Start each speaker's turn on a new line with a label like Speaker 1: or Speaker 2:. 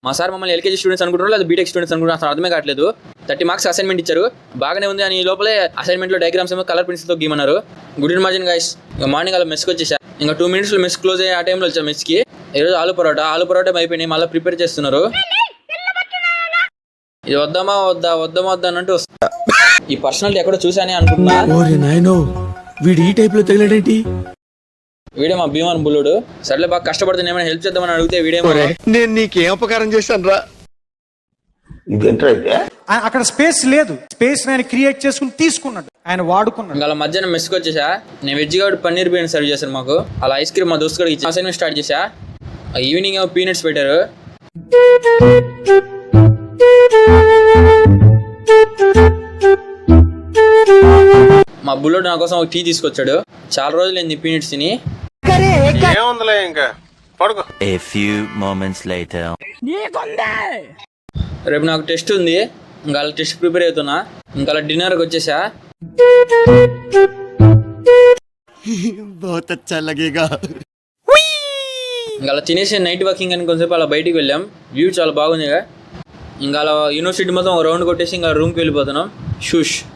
Speaker 1: మా సార్ మమ్మల్ని LKG students అనుకుంటున్నారు లేదా బీటెక్ స్టూడెంట్స్ అనుకుంటున్నారు, అసలు అర్థమే కావట్లేదు. 30 మార్క్స్ అసైన్మెంట్ ఇచ్చారు, బాగానే ఉంది అని లోపలే అసైన్మెంట్లో డయాగ్రామ్స్ ఏమో కలర్ పెన్సిల్తో గీమన్నారు. Good morning guys. ఇంకా మార్నింగ్ అలా మెస్కి వచ్చేసా. ఇంకా 2 minutesలో మెస్ క్లోజ్ అయ్యే ఆ టైంలో వచ్చా మెస్కి. ఈరోజు ఆలు పరోటా అయిపోయినాయి, మళ్ళీ ప్రిపేర్ చేస్తున్నారు. ఇది వద్దామా వద్దా అన్నట్టు వస్తా. ఈ పర్సనాలిటీ ఎక్కడో చూసానే అనుకుంటున్నా. వీడే మా భీమాన్ బుల్లుడు. సర్లే బాగా కష్టపడుతున్నా, ఏమైనా హెల్ప్ చేద్దామని అడిగితే వీడేమో
Speaker 2: నేను నీకేం అపకారం చేశాను రా.
Speaker 3: అక్కడ స్పేస్ లేదు, స్పేస్ ఆయన క్రియేట్ చేసుకుని తీసుకున్నాడు, ఆయన వాడుకున్నాడు.
Speaker 1: ఇంకా అలా మధ్యాహ్నం మెస్కి వచ్చేసా. నేను వెజ్ కాబట్టి పన్నీర్ బిర్యానీ సర్వ్ చేశాను మాకు. అలా ఐస్ క్రీమ్ మా దోస్తుడికి ఇచ్చి అసైన్మెంట్ స్టార్ట్ చేసా. ఈవినింగ్ ఏమో పీనట్స్ పెట్టారు. మా బుల్లోడు నా కోసం ఒక టీ తీసుకొచ్చాడు. చాలా రోజులు అయింది పీనట్స్ తిని. రేపు నాకు టెస్ట్ ఉంది, ఇంకా అలా టెస్ట్ ప్రిపేర్ అవుతున్నా. ఇంకా అలా డిన్నర్కి వచ్చేసా. ఇంకా అలా తినేసి నైట్ వాకింగ్ అని కొంచెంసేపు అలా బయటికి వెళ్ళాం. వ్యూ చాలా బాగుంది. ఇంకా అలా యూనివర్సిటీ మొత్తం ఒక రౌండ్ కొట్టేసి ఇంకా రూమ్కి వెళ్ళిపోతున్నాం. షూష్.